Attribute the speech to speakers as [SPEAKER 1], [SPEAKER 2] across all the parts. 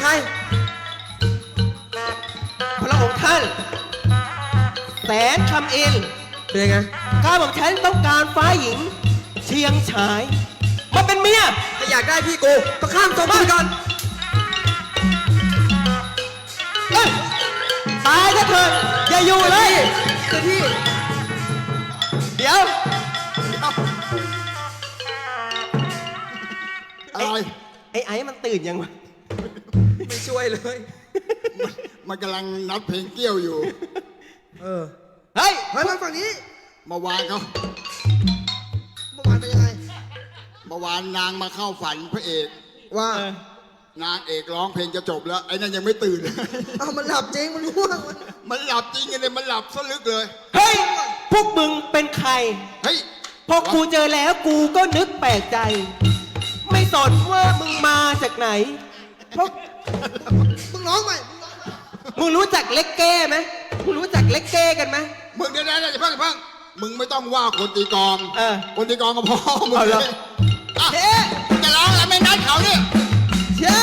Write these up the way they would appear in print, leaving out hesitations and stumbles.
[SPEAKER 1] ใครพระองค์ท่านแสนคำอินเป็นยังไงข้าบอกฉันต้องการฟ้าหญิงเชียงฉายมาเป็นเมียถ้าอยากได้พี่กูก็ข้ามสมบัติก่อนตายถ้าเถิดอย่าอยู่เลยพี่เดี๋ยว
[SPEAKER 2] อะไร
[SPEAKER 1] ไอ้มันตื่นยังวะไม่ช่วยเลย
[SPEAKER 2] มันกำลังนัดเพลงเกี้ยวอยู่
[SPEAKER 1] เฮ้ยมาฝั่งนี้
[SPEAKER 2] เมื่อวานเขา
[SPEAKER 1] เมื่อวานเป็นยังไง
[SPEAKER 2] เมื่อวานนางมาเข้าฝันพระเอกว่านางเอกร้องเพลงจะจบแล้วไอ้นั่นยังไม่ตื่น
[SPEAKER 1] เอามันหลับจริงมันง่วง
[SPEAKER 2] มันหลับจริงเลยมันหลับซะลึกเลย
[SPEAKER 1] เฮ้ยพวกมึงเป็นใคร
[SPEAKER 2] เฮ้ย
[SPEAKER 1] พอกูเจอแล้วกูก็นึกแปลกใจไม่สนว่ามึงมาจากไหนเพราะมึงร้องไหมมึงรู้จักเล็กแก้ไหมมึงรู้จักเล็กแก้กันไหม
[SPEAKER 2] มึงเดี๋ยวอย่าเพิ่งมึงไม่ต้องว่าคนตีกองคนตีกองก็พอมึงเลย
[SPEAKER 1] เฮ้
[SPEAKER 2] จะร้องอะไรไม่นัดเขาเนี่ย
[SPEAKER 1] เชื่อ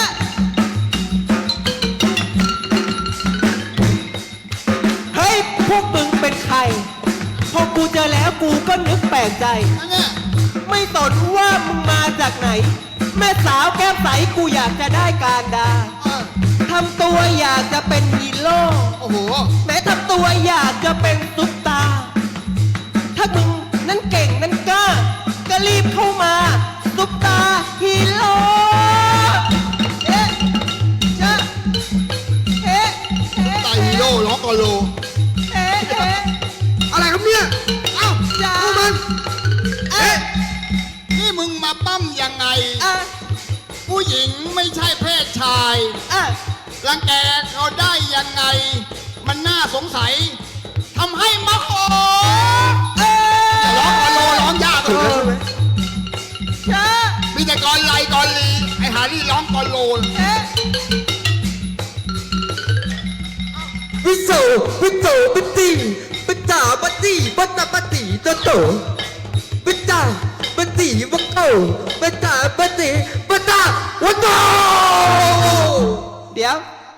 [SPEAKER 1] เฮ้ยพวกมึงเป็นใครพอกูเจอแล้วกูก็นึกแปลกใจไม่สนว่ามึงมาจากไหนแม่สาวแก้มใสกูอยากจะได้การดาทำตัวอยากจะเป็นฮีโร่
[SPEAKER 2] โอ้โห
[SPEAKER 1] แม้ทำตัวอยากจะเป็นซุปตาถ้ามึงนั้นเก่งนั้นกล้าก็รีบเข้ามาซุปตาฮีโร่เอ๊ะจ๊ะเอ๊ะ
[SPEAKER 2] ตาฮีโร่ร้องกอโล
[SPEAKER 1] เอ๊ะอะไรครับเนี่ยเอ้าอย่ามัน
[SPEAKER 2] เอ๊ะนี่มึงมาปั้มยังไงผู้หญิงไม่ใช่เพศชายรังแกเขาได้ยังไงมันน่าสงสัยทำให้มาขอร้องกอโลร้องยากเลยมีแต่กอไลกอลีไอหานี่ร้องกอโล
[SPEAKER 1] วิโสวิโสปิตีปิจ่าปตีปัตตาปตีโตโตปิจ่าปตีวักโตปิจ่าปตีปัตตาวักโตเดี๋ยว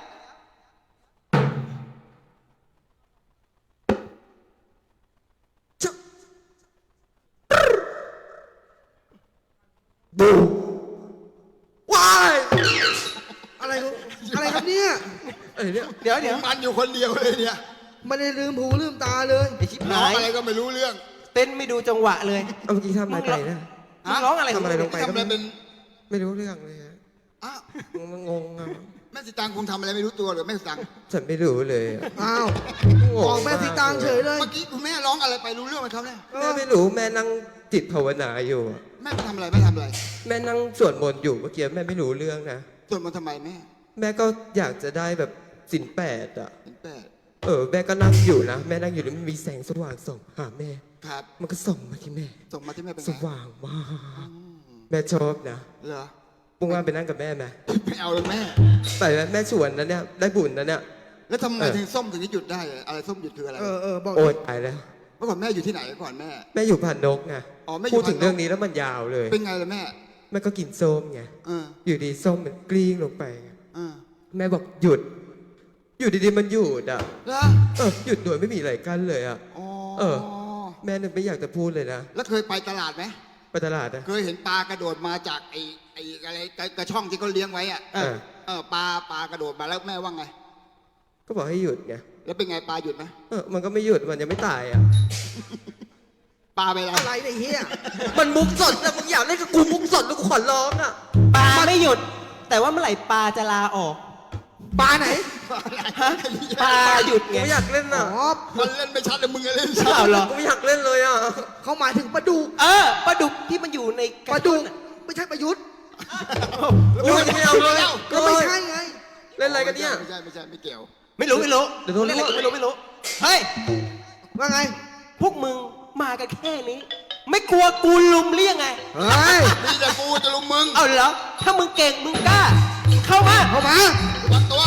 [SPEAKER 1] บูวายอะไรครับเนี่ยเดี๋ยว
[SPEAKER 2] มันอยู่คนเดียวเลยเนี่ย
[SPEAKER 1] ไม่ได้ลืมหูลืมตาเลยไอ้ชิบหาย
[SPEAKER 2] อะไรก็ไม่รู้เรื่อง
[SPEAKER 1] เต้นไม่ดูจังหวะเลย
[SPEAKER 3] เมื่อกี้ทำอะไรไปนะ
[SPEAKER 1] ร้องอะไร
[SPEAKER 3] ทำอะไรลงไปก็
[SPEAKER 2] เป็น
[SPEAKER 3] ไม่รู้เรื่องเลยฮะงงอ่ะ
[SPEAKER 2] แม่สีตังคงทำอะไรไม่รู้ตัวหรือแม่สีตัง
[SPEAKER 3] ฉันไม่รู้เลย
[SPEAKER 1] อ้าวบอกแม่สีตังเฉยเลย
[SPEAKER 2] เมื่อกี้คุณแม่ร้องอะไรไปรู้เรื่องไหมครับเนี่ย
[SPEAKER 3] แม่ไม่รู้แม่นั่งจิตภาวนาอยู่
[SPEAKER 2] แม่ทำอะไร
[SPEAKER 3] แม่นั่งสวดมนต์อยู่เมื่อกี้แม่ไม่รู้เรื่องนะ
[SPEAKER 2] สวดมนต์ทำไม
[SPEAKER 3] แม่ก็อยากจะได้แบบศีล 8อ่ะ
[SPEAKER 2] ศีล 8
[SPEAKER 3] แม่ก็นั่งอยู่นะแม่นั่งอยู่แล้วมันมีแสงสว่างส่องหาแม่
[SPEAKER 2] ครับ
[SPEAKER 3] มันก็ส่องมาที่แม่
[SPEAKER 2] เป็น
[SPEAKER 3] สว่างมากแม่ชอบนะ
[SPEAKER 2] เหรอ
[SPEAKER 3] ปุ้งว่าไปนั่งกับแม่ไหม
[SPEAKER 2] ไม่เอาเลยแม่
[SPEAKER 3] ไปแม่ชวนนะเนี่ยได้บุญนะเนี่ย
[SPEAKER 2] แล้วทำไมถึงส้มถึงหยุดได้อะไรส้มหยุดคืออะไร
[SPEAKER 3] บอกโอ๊ยตายแล้ว
[SPEAKER 2] เมื่อก่อนแม่อยู่ที่ไหนก่อนแม่
[SPEAKER 3] อยู่พานนกไงพูดถึงเรื่องนี้แล้วมันยาวเลย
[SPEAKER 2] เป็นไงล่ะแม่
[SPEAKER 3] ก็กินส้มไงอยู่ดีส้มมันกลิ้งลงไปแม่บอกหยุดอยู่ดีๆมันหยุดอ่ะหยุดโดยไม่มีอะไรกั้นเลยอ่ะแม่นึกไม่อยากจะพูดเลยนะ
[SPEAKER 2] แล้วเคยไปตลาดไหม
[SPEAKER 3] ไปตลาด
[SPEAKER 2] เคยเห็นปลากระโดดมาจากไอ้อะไรกระช่องที่เขาเลี้ยงไว้อ่ะปลากระโดดมาแล้วแม่ว่าไง
[SPEAKER 3] ก็บอกให้หยุดไง
[SPEAKER 2] แล้วเป็นไงปลาหยุดไหม
[SPEAKER 3] มันก็ไม่หยุดมันยังไม่ตายอ่ะ
[SPEAKER 2] ปลาไป
[SPEAKER 1] อะไรไอ้เหี้ยมันมุกสดแต่มึงอยากเล่นกับกูมุกสดแล้วกูขอร้องอ่ะปลาไม่หยุดแต่ว่าเมื่อไหร่ปลาจะลาออกปลาไหนปลาหยุดไง
[SPEAKER 3] ไม่อยากเล่นน่ะ
[SPEAKER 2] มันเล่นไม่ชัดเลยมึงเล่นชัด
[SPEAKER 3] หรอไม่อยากเล่นเลยอ่ะ
[SPEAKER 1] เขาหมายถึงปลาดุกปลาดุกที่มันอยู่ในปลาดุกไม่ใช่ประยุทธ์
[SPEAKER 3] ไม่เอาเลย
[SPEAKER 1] ก็ไม่ใช่ไง
[SPEAKER 3] เล่นอะไรกันเนี่ย
[SPEAKER 2] ไม่ใช่ไม่เกี่ยว
[SPEAKER 1] ไม่รู้เดี๋ยวโดนไม่รู้เฮ้ยว่าไงพวกมึงมากันแค่นี้ไม่กลัวกูลุมเรียงไง
[SPEAKER 2] นี่แต่กูจะลุมมึง
[SPEAKER 1] เอาเหรอถ้ามึงเก่งมึงกล้าเข้ามา
[SPEAKER 2] วัดตัว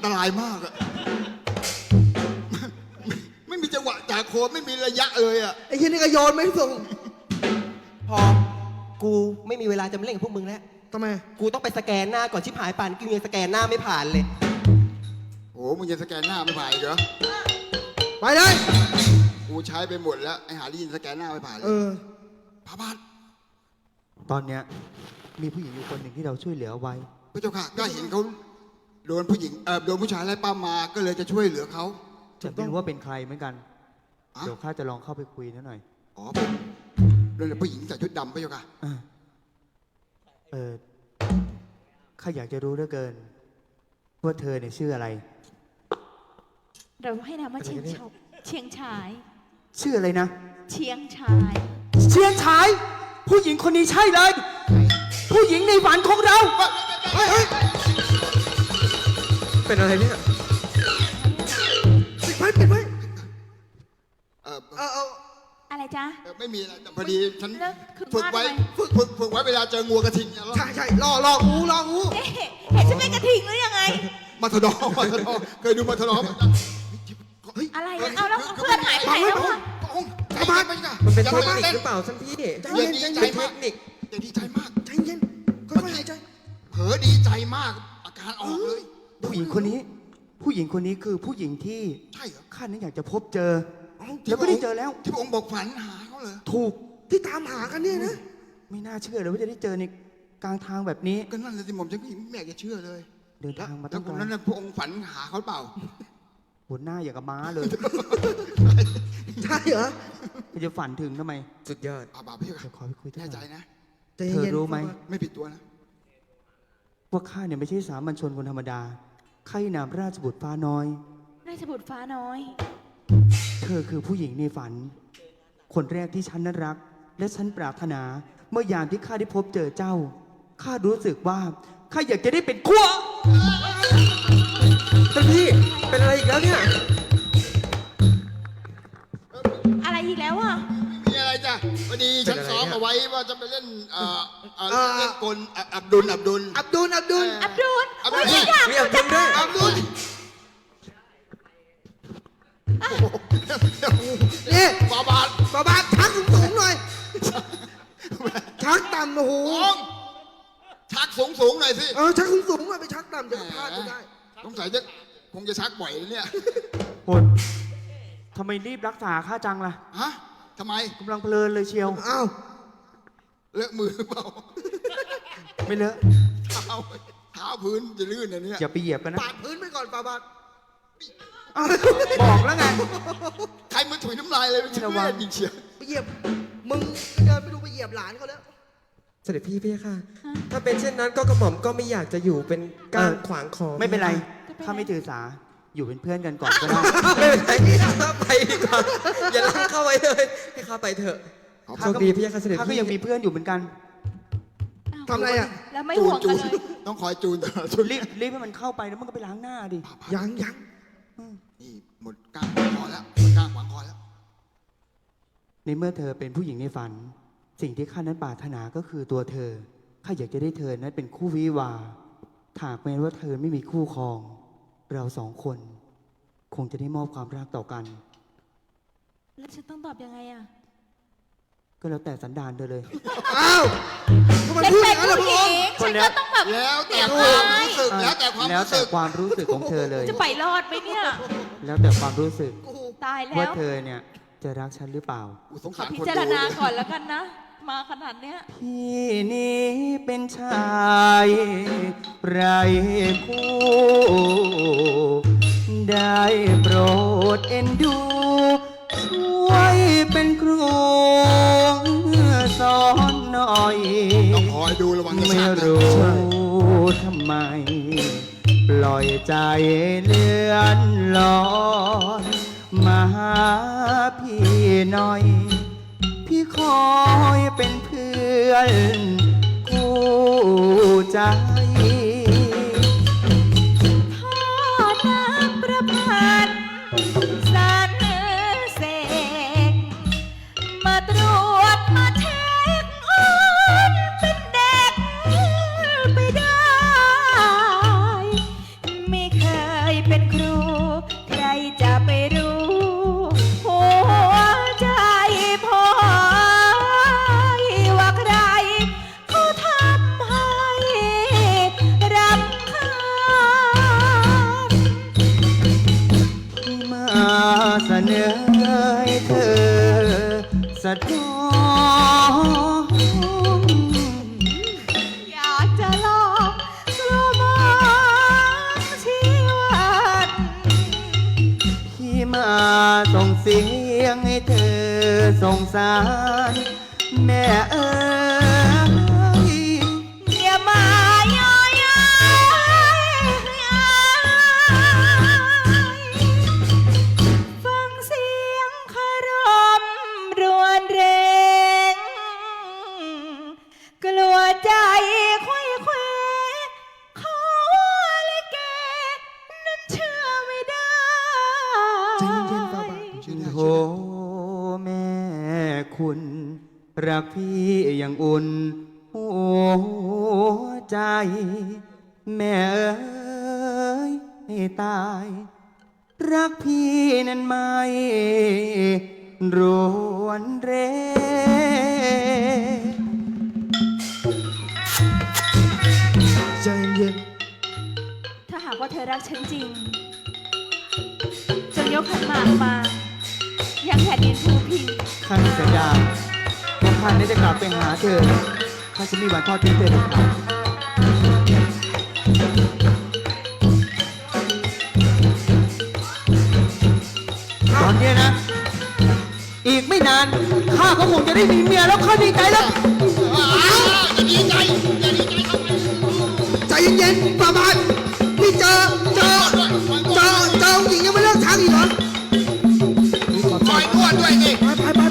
[SPEAKER 2] ตรายมากอะไม่มีจังหวะจากโคนไม่มีระยะเลยอะ
[SPEAKER 4] ไอ้เหี้ยนี่ก็โยนไม่ส่ง
[SPEAKER 1] พอ กูไม่มีเวลาจะมาเล่นกับพวกมึงแล้ว
[SPEAKER 4] ทำไม
[SPEAKER 1] กูต้องไปสแกนหน้าก่อนชิบหายป่านกูยังสแกนหน้าไม่ผ่านเลย
[SPEAKER 2] โอ้มึงยังสแกนหน้าไม่ผ่านอีกเหรอ
[SPEAKER 4] ไปเลย
[SPEAKER 2] กูใช้ไปหมดแล้วไอ้หาลีนสแกนหน้าไม่ผ่านเลยพระบาท
[SPEAKER 5] ตอนเนี้ยมีผู้หญิงอยู่คนหนึ่งที่เราช่วยเหลือเอาไว้
[SPEAKER 2] พระเจ้าค่ะก็เห็นเขาโดนผู้หญิงโดนผู้ชายไล่ป้ามมาก็เลยจะช่วยเหลือเขา
[SPEAKER 5] จะไม่รู้ว่าเป็นใครเหมือนกัน
[SPEAKER 2] อ่ะ
[SPEAKER 5] เดี๋ยวข้าจะลองเข้าไปคุยนิดหน่อย
[SPEAKER 2] อ๋อผมโดนผู้หญิงใส่ชุดดำพระเจ้าค่ะ
[SPEAKER 5] อ่ะข้าอยากจะรู้เหลือเกิน ว่าเธอเนี่ยชื่ออะไร
[SPEAKER 6] เราให้นามว่าเชียงชาย
[SPEAKER 5] ชื่ออะไรนะ
[SPEAKER 6] เชียงชาย
[SPEAKER 5] เชียงชาย ผู้หญิงคนนี้ใช่เลย ผู้หญิงในฝันของเรา
[SPEAKER 3] เป็นอะไรเนี่ย
[SPEAKER 4] ปิดไว้
[SPEAKER 2] เออ
[SPEAKER 6] อะไรจ๊ะ
[SPEAKER 2] ไม่มีอะไรแต่พอดีฉัน
[SPEAKER 6] แล้วคือ
[SPEAKER 2] ฝึกไว้
[SPEAKER 6] ว่าทำไม
[SPEAKER 2] ฝึกไว้เวลาเจองัวกระทิงเนี่ย
[SPEAKER 4] ใช่รองู
[SPEAKER 6] เอ๊ะเห็นฉันเป็นกระทิงหรือยังไง
[SPEAKER 2] มาทดอเคยดูมาทดอ
[SPEAKER 6] อะไรอะเอาแล้วเพื่อนหายไปไหนแล้วอะ
[SPEAKER 2] ใจมากไปจ้ะ
[SPEAKER 3] มันเป็น
[SPEAKER 2] อย่า
[SPEAKER 3] เทค
[SPEAKER 2] ตื่
[SPEAKER 3] นิค
[SPEAKER 2] เต้น
[SPEAKER 3] หรือเปล่าท่านพี่
[SPEAKER 2] อย่าดีใจ
[SPEAKER 3] เป็นเท
[SPEAKER 2] มาก
[SPEAKER 3] คนิค
[SPEAKER 2] อย่าดีใจมาก
[SPEAKER 4] ใจเย็นค่อยๆหายใจ
[SPEAKER 2] เผลอดีใจมากอาการออกเลย
[SPEAKER 5] ผู้หญิงคนนี้ ผู้หญิงคนนี้คือผู้หญิงที่
[SPEAKER 2] ใช่เหรอ
[SPEAKER 5] ข้านั้นอยากจะพบเจอ แล้วก็ได้เจอแล้ว
[SPEAKER 2] ที่พระองค์บอกฝันหาเขาเลย
[SPEAKER 5] ถูก
[SPEAKER 4] ที่ตามหากันเนี่ยนะ
[SPEAKER 5] ไม่น่าเชื่อเลยว่าจะได้เจอในกลางทางแบบนี้
[SPEAKER 2] ก็นั่นเลยที่ผมฉันก็ไม่อยากจะเชื่อเลย
[SPEAKER 5] เดินทางมา
[SPEAKER 2] แล้
[SPEAKER 5] ตั้
[SPEAKER 2] ว
[SPEAKER 5] ง
[SPEAKER 2] ค
[SPEAKER 5] ไก
[SPEAKER 2] น
[SPEAKER 5] ล
[SPEAKER 2] นั้นพระองค์ฝันหาเขาเปล่า
[SPEAKER 5] หัวหน้าอย่างกับม้าเลย
[SPEAKER 4] ใช่เหรอ
[SPEAKER 5] มันจะฝันถึงทำไม
[SPEAKER 3] สุดยอด
[SPEAKER 2] ป่าพี่
[SPEAKER 5] เดี๋ยวขอไปคุยด้วย
[SPEAKER 2] แน่
[SPEAKER 5] ห
[SPEAKER 2] ใจ
[SPEAKER 5] น่อย
[SPEAKER 2] นะ
[SPEAKER 4] ใจเย็น
[SPEAKER 5] เธอรู้ไหม
[SPEAKER 2] ไม่ผิดตัวนะ
[SPEAKER 5] ว่าข้าเนี่ยไม่ใช่สามัญชนคนธรรมดาข้าในนามราชบุตรฟ้าน้อย
[SPEAKER 6] ราชบุตรฟ้าน้อย
[SPEAKER 5] เธอคือผู้หญิงในฝัน คนแรกที่ฉันนั้นรัก และฉันปรารถนา เมื่อยามที่ข้าได้พบเจอเจ้า ข้ารู้สึกว่าข้าอยากจะได้เป็นขั้ว
[SPEAKER 3] ท่านพี่ เป็นอะไรอีกแล้วเนี่ย
[SPEAKER 6] อะไรอีกแล้วอะ
[SPEAKER 2] ไม่มีอะไรจ้ะพอดีฉันซ้อมเอาไว้ว่าจะไปเล่นเล่นกลอับดุล
[SPEAKER 4] อับดุล
[SPEAKER 6] อับดุล
[SPEAKER 2] อับดุล
[SPEAKER 6] โอ้ยฉันอยาก
[SPEAKER 3] มีอับดุลด้วย
[SPEAKER 2] อับดุล
[SPEAKER 4] นี่
[SPEAKER 2] บาบาท
[SPEAKER 4] บาชักสูงๆหน่อย ชักต่ำโอ้โห
[SPEAKER 2] องชักสูงหน่อยสิ
[SPEAKER 4] ชักสูงๆหน่อยไปชักต่ำจะพลาดไม่ได้
[SPEAKER 2] สงสัยจะคงจะชักบ่อยเนี่ย
[SPEAKER 5] โหดทำไมรีบรักษาข้าจังล่ะ
[SPEAKER 2] ฮะทำไม
[SPEAKER 5] กำลังเพลินเลยเชียว
[SPEAKER 4] อ้าว
[SPEAKER 2] เลอะมือเปล่า
[SPEAKER 5] ไม่เลอะ
[SPEAKER 2] เท้าพื้นจะลื่นอันเนี้ย
[SPEAKER 5] อย่าไปเหยียบกันนะ
[SPEAKER 4] ปาดพื้นไปก่อนปาบาท
[SPEAKER 5] อ้าวบอกแล้วไง
[SPEAKER 2] ใครมันถุยน้ำลายเลยมัน
[SPEAKER 5] ระวัง
[SPEAKER 2] ยิงเฉียบ
[SPEAKER 4] ไปเหยียบ มึงเดินไปดูไปเหยียบหลานเขาแล้ว
[SPEAKER 3] เสด็จพี่พี่ค่ะ ถ้าเป็นเช่นนั้นก็กระหม่อมก็ไม่อยากจะอยู่เป็นก้างขวางคอ
[SPEAKER 5] ไม่เป็นไร ข้าไม่ถือสา อยู่เป็นเพื่อนกันก่อนก็ได้
[SPEAKER 3] ไม่เป็นไรข้าไปดีกว่าอย่าลังเข้าไว้เลยให้ข้าไปเถอะโชคดีพี่ค่ะเสด็จ
[SPEAKER 5] ข้าก็
[SPEAKER 3] พี่
[SPEAKER 5] ยังมีเพื่อนอยู่เหมือนกัน
[SPEAKER 4] ทำอะไรอ่ะ
[SPEAKER 6] แล้วไม่ห่วงกันเลย
[SPEAKER 2] ต้องคอยจูนตลอด
[SPEAKER 5] รีบให้มันเข้าไปแล้วมันก็ไปล้างหน้าดิ
[SPEAKER 4] ยัง
[SPEAKER 2] นี่หมดกล้างขวางคอแล้วหมดกล้างขวางคอแล้ว
[SPEAKER 5] ในเมื่อเธอเป็นผู้หญิงในฝัน สิ่งที่ข้านั้นปรารถนาก็คือตัวเธอ ข้าอยากจะได้เธอนั้นเป็นคู่วิวาห์หากแม้ว่าเธอไม่มีคู่ครอง เราสองคน คงจะได้มอบความรักต่อกัน
[SPEAKER 6] แล้วฉันต้องตอบยังไงอะ
[SPEAKER 5] ก็แล้วแต่สันดานเธอเลย
[SPEAKER 4] อ้าวทำไม
[SPEAKER 6] ฉัน
[SPEAKER 4] พูดอ
[SPEAKER 6] เป็
[SPEAKER 4] ย่าน งนั้นล่ะ
[SPEAKER 6] ผู้
[SPEAKER 4] พ
[SPEAKER 6] ห
[SPEAKER 4] ระ
[SPEAKER 6] ญิ
[SPEAKER 4] อง
[SPEAKER 6] ง
[SPEAKER 4] ค์
[SPEAKER 6] ฉันก็ต้องแบบ
[SPEAKER 2] แล้วแต่
[SPEAKER 6] เตรียม
[SPEAKER 2] ความ
[SPEAKER 6] ไว้
[SPEAKER 2] รู้สึกแล้วแต่ความ
[SPEAKER 5] แล้ว
[SPEAKER 2] รู้
[SPEAKER 5] แต่
[SPEAKER 2] สึก
[SPEAKER 5] ความรู้สึกของเธอเลย
[SPEAKER 6] จะไปรอดไหมเนี่ย
[SPEAKER 5] แล้วแต่ความรู้สึก
[SPEAKER 6] ตายแล้
[SPEAKER 5] ว่าว เธอเนี่ยจะรักฉันหรือเปล่า
[SPEAKER 2] กูสง
[SPEAKER 6] ขอ
[SPEAKER 2] สาร
[SPEAKER 6] พิ
[SPEAKER 2] คน
[SPEAKER 6] จาร
[SPEAKER 2] ดู
[SPEAKER 6] ณาก่อนแล้วกันนะ มาขนาดเนี้ย
[SPEAKER 5] พี่นี้เป็นชายไรคู่ ได้โปรดเอ็นดู ช่วยเป็นครูสอนหน่อย
[SPEAKER 2] ต้องคอยดูระวังจะ
[SPEAKER 5] ไม่
[SPEAKER 2] ชักนะ
[SPEAKER 5] รู้ทำไม ปล่อยใจเลื่อนลอยมาหาพี่หน่อย พี่คอยเป็นเพื่อนคู่ใจ
[SPEAKER 6] พ่อนักประพันธ์สารเสกมาตรวจมาเช็คอ้อนเป็นเด็กไปได้ ไม่เคย
[SPEAKER 5] เสนอให้เธอสะท้อน
[SPEAKER 6] อยากจะลองกลัวมองชีวิต
[SPEAKER 5] ที่มาส่งเสียงให้เธอสงสารแม่เอ๋ย
[SPEAKER 6] อย่ามาย่อยฟังเสียงคารมรวนเรงกลัวใจควยเควขอลิเกนั้นเชื่อไม่ได้
[SPEAKER 4] ใจเย็นๆฟ้าบาทชื่อได้
[SPEAKER 5] โธ่แม่คุณรักพี่อย่างอุ่นหัวใจ แม่เอ๋ยให้ตาย รักพี่นั้นไม่รวนเร
[SPEAKER 4] ใจเย็น
[SPEAKER 6] ถ้าหากว่าเธอรักฉันจริงจงยกขันหมากมายังแผ่นดินภูพิง
[SPEAKER 5] ข้ามีสัญญาว่าข้านี้จะกลับไปหาเธอข้าจะไมมีวันทอดทิ้งเธอเด็ดขาดตอนเนี้ยนะ อีกไม่นาน ข้าก็คงจะได้มีเมียแล้วข้าดีใจแล้ว
[SPEAKER 2] อย่าดีใจอย่าดีใจทำไม
[SPEAKER 4] ใจเย็นๆฟ้าบาทนี่เจอหญิงยังไม่เลิกทางอีกเหรอ
[SPEAKER 2] คอยนวดด้วยสิ
[SPEAKER 4] ไป